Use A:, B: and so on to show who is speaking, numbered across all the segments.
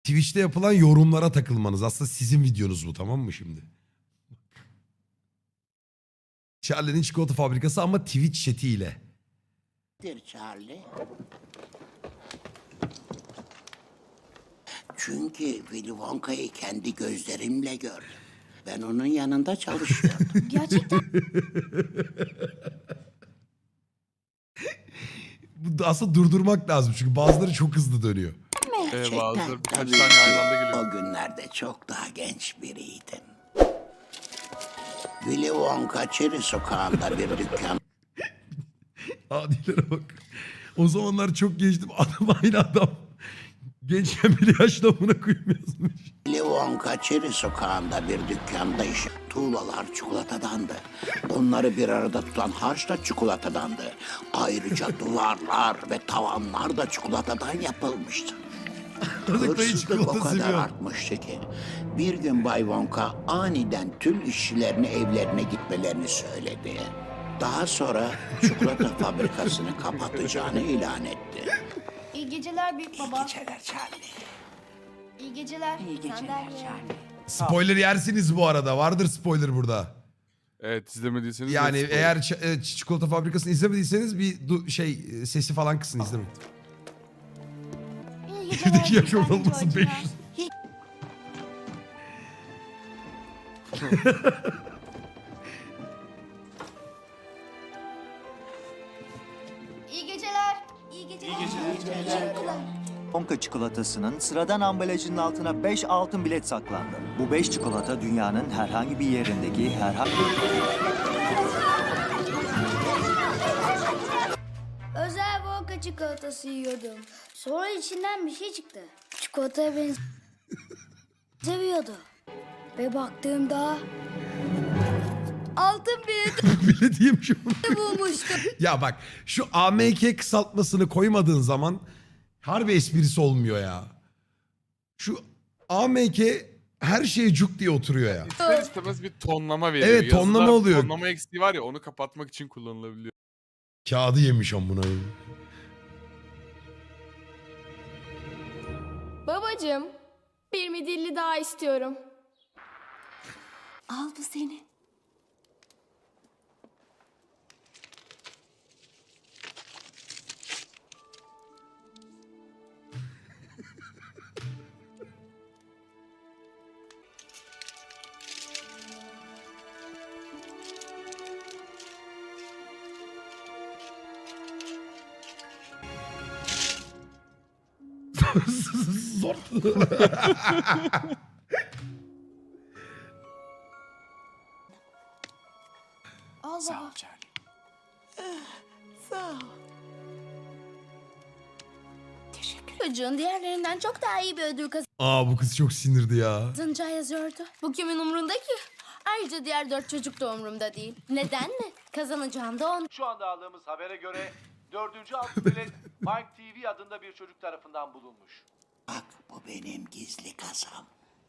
A: Twitch'te yapılan yorumlara takılmanız. Aslında sizin videonuz bu, tamam mı şimdi? Charlie'nin çikolata fabrikası ama Twitch chat'iyle.
B: Charlie. Çünkü Willy Wonka'yı kendi gözlerimle gördüm. Ben onun yanında çalışıyordum.
C: Gerçekten
A: Bu aslında durdurmak lazım çünkü bazıları çok hızlı dönüyor.
D: Bazıları birkaç
B: tabii
D: tane
B: ki
D: aynı anda geliyor.
B: O günlerde çok daha genç biriydim. Willy Wonka Çeri Sokağı'nda bir dükkan
A: Adilere bak. O zamanlar çok gençtim. Adam aynı adam. Gençken bile yaşlı amına koyayım yazmış.
B: Willy Wonka Çeri Sokağı'nda bir dükkanda iş. Tuğlalar çikolatadandı. Onları bir arada tutan harç da çikolatadandı. Ayrıca duvarlar ve tavanlar da çikolatadan yapılmıştı.
A: Çocuk dayı
B: Hırsızlık o
A: çikolata
B: kadar
A: seviyor.
B: artmıştı ki bir gün Bay Wonka aniden tüm işçilerine evlerine gitmelerini söyledi. Daha sonra çikolata fabrikasını kapatacağını ilan etti.
C: iyi geceler büyük baba.
B: Geceler Charlie.
C: İyi geceler. İyi geceler
A: Spoiler yersiniz bu arada. Vardır spoiler burada.
D: Evet, izlemediyseniz.
A: Yani
D: de spoiler.
A: eğer çikolata fabrikasını izlemediyseniz bir sesi falan kısın izlemeyin.
C: İyi geceler.
A: Evdeki yaş
C: bir tane
A: ortalaması
C: Georgina.
A: 500.
C: İyi geceler. İyi geceler. İyi geceler.
E: Wonka çikolatasının sıradan ambalajının altına 5 altın bilet saklandı. Bu 5 çikolata dünyanın herhangi bir yerindeki herhangi
C: Özel Wonka çikolatası yiyordum. Sonra içinden bir şey çıktı. Çikolataya benziyordu. Ve baktığımda altın bir
A: Bile diyeyim
C: bulmuştum.
A: Ya bak şu AMK kısaltmasını koymadığın zaman harbi esprisi olmuyor ya. Şu AMK her şeye cuk diye oturuyor ya.
D: İster istemez bir tonlama veriyor.
A: Evet, tonlama
D: Yazıda
A: oluyor.
D: Tonlama eksiği var ya, onu kapatmak için kullanılabiliyor.
A: Kağıdı yemiş amına.
F: Babacığım, bir midilli daha istiyorum.
G: Al bu seni.
A: Zor.
C: Al baba. Çocuğun diğerlerinden çok daha iyi bir ödül
A: Aa bu kız çok sinirdi ya.
C: kazanacağı yazıyordu.
F: Bu kimin umrunda ki? Ayrıca diğer 4 çocuk da umurumda değil. Neden mi? Kazanacağım da on.
H: Şu anda aldığımız habere göre 4. altın bilet Mike TV adında bir çocuk tarafından bulunmuş.
B: Bak bu benim gizli kasam.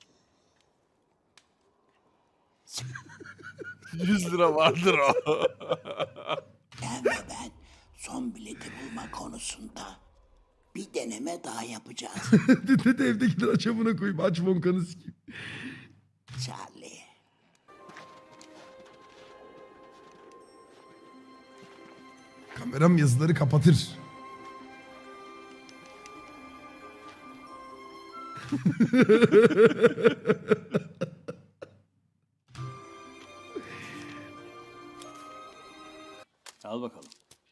D: 100 lira vardır o.
B: Sen ve ben son bileti bulma konusunda bir deneme daha yapacağız.
A: Dedi evdekiler aç amına koyayım. Aç Wonka'nı sikeyim.
B: Charlie.
A: Kameram yazıları kapatır.
E: Al bakalım.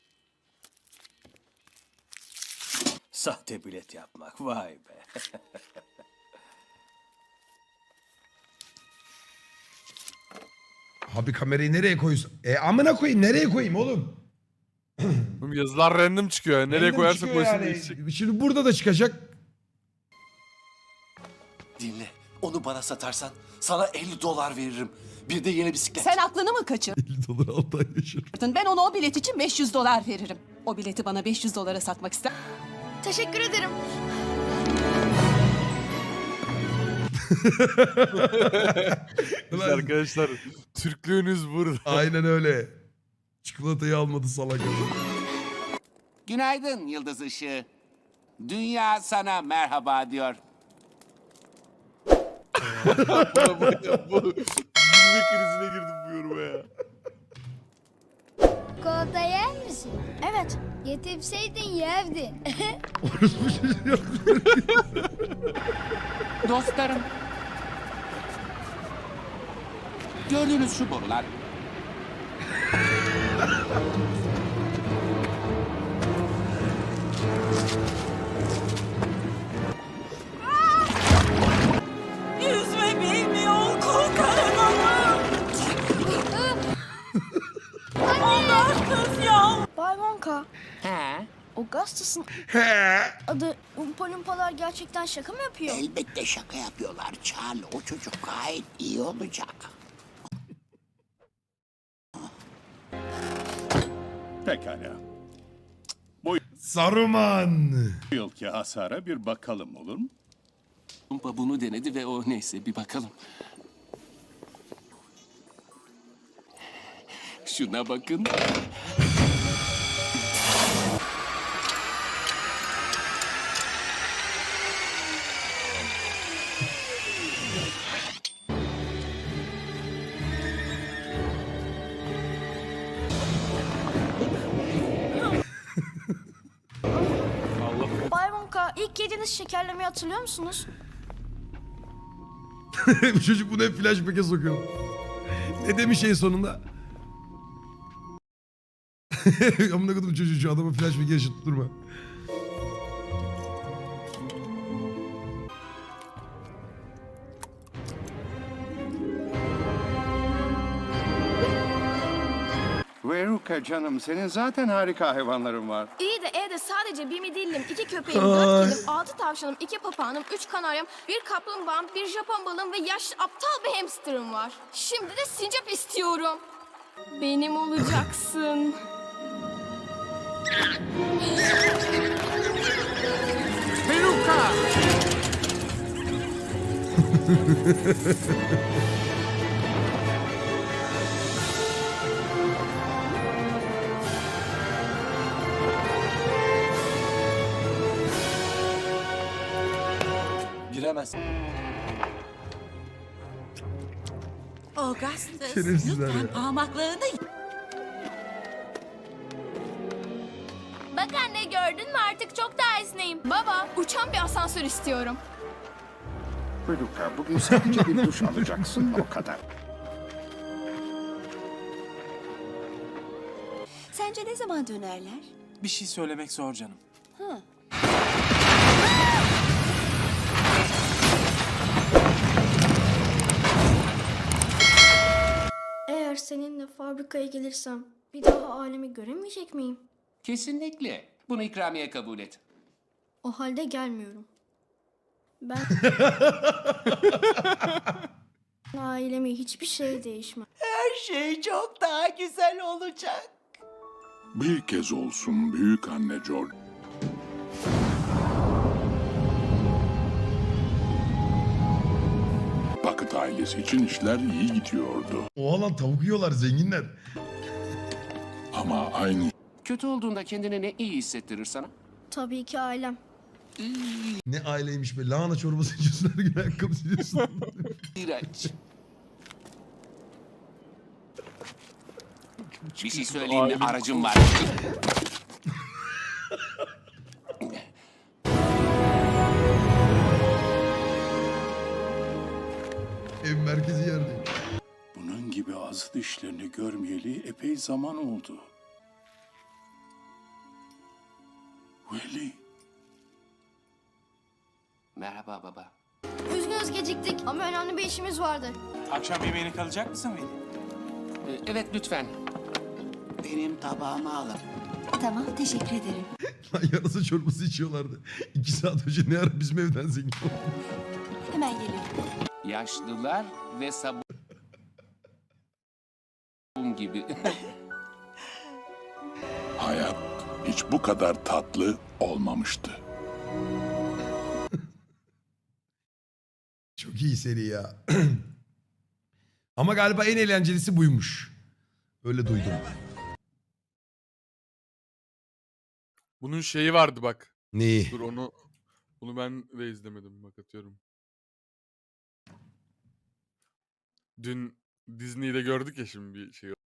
E: Sahte bilet yapmak, vay be.
A: Abi kamerayı nereye koyuyorsun? Amına koyayım nereye koyayım oğlum?
D: Oğlum yazılar random çıkıyor. Nereye
A: Random
D: koyarsak
A: çıkıyor
D: koysun
A: yani.
D: değişecek.
A: Şimdi burada da çıkacak.
I: Dinle. Onu bana satarsan sana 50 dolar veririm. Bir de yeni bisiklet.
G: Sen aklını mı kaçırdın?
A: 50 dolar 6 ay yaşar.
G: Ben ona o bilet için 500 dolar veririm. O bileti bana 500 dolara satmak ister.
C: Teşekkür ederim.
D: Biz arkadaşlar, Türklüğünüz burada.
A: Aynen öyle. Çikolatayı almadı salak.
J: Günaydın Yıldız Işığı. Dünya sana merhaba diyor.
D: Bu gülme krizine girdim bu yoruma ya.
C: Çikolata yer misin?
F: Evet.
C: Getirseydin yerdin.
J: Dostlarım. Gördüğünüz şu borular.
G: Yüzme bilmiyor kul kahramanı. Allah kız ya.
F: Bay Wonka,
J: He?
F: o gazetesin adı Umpa Lumpalar gerçekten şaka mı yapıyor?
B: Elbette şaka yapıyorlar Charlie. O çocuk gayet iyi olacak.
K: Pekala.
A: Saruman.
K: Bu yılki hasara bir bakalım olur mu?
J: Umpa bunu denedi ve o neyse bir bakalım. Şuna bakın.
F: Bay Wonka, ilk yediğiniz şekerlemeyi hatırlıyor musunuz?
A: Bu çocuk bunu hep flashback'e sokuyor. Ne demiş en sonunda? Amına kodum çocuğu şu adamı flashback'e yaşatıp durma.
K: Veruka canım, senin zaten harika hayvanların var.
F: İyi de evde sadece bir midillim, 2 köpeğim, 4 kedim, 6 tavşanım, 2 papağanım, 3 kanaryam, 1 kaplumbağam, 1 Japon balığım ve yaşlı aptal bir hamsterım var. Şimdi de sincap istiyorum. Benim olacaksın.
J: Veruka!
I: Giremez.
G: Augustus,
A: Şerefsizler
G: lütfen
A: ya.
G: parmaklarını
F: Bak anne, gördün mü, artık çok daha esneyim. Baba, uçan bir asansör istiyorum.
K: Veruka, bugün sadece bir duş alacaksın, o kadar.
G: Sence ne zaman dönerler?
I: Bir şey söylemek zor canım.
F: Eğer seninle fabrikaya gelirsem bir daha alemi göremeyecek miyim?
J: Kesinlikle. Bunu ikramiye kabul et.
F: O halde gelmiyorum. Ben ailemi hiçbir şey değişmez.
G: Her şey çok daha güzel olacak.
K: Bir kez olsun büyük anne George. Bucket ailesi için işler iyi gidiyordu.
A: Oha lan tavuk yiyorlar zenginler.
K: Ama aynı
J: Kötü olduğunda kendini ne iyi hissettirir sana?
F: Tabii ki ailem.
A: Ne aileymiş be. Lahana çorbası içiyorsun her gün ayakkabı siliyorsun.
J: İğrenç. Bir şey söyleyeyim mi? Aracım var.
A: Ev merkezi yerdeyim.
K: bunun gibi azı dişlerini görmeyeli epey zaman oldu. Willy.
J: Merhaba baba.
F: Üzgünüz geciktik ama önemli bir işimiz vardı.
I: Akşam yemeğine kalacak mısın Veli?
J: Evet lütfen.
B: Benim tabağımı alın.
G: Tamam, teşekkür ederim.
A: Lan yarasa çorbası içiyorlardı. 2 saat önce ne ara bizim evden zengin olduk.
G: Hemen geliyorum.
J: Yaşlılar ve sabun gibi.
K: Hayat hiç bu kadar tatlı olmamıştı.
A: Çok iyi seri ya. Ama galiba en eğlencelisi buymuş. Öyle duydum.
D: Bunun şeyi vardı bak.
A: Neyi?
D: Dur onu ben de izlemedim bak atıyorum. Dün Disney'de gördük ya şimdi bir şey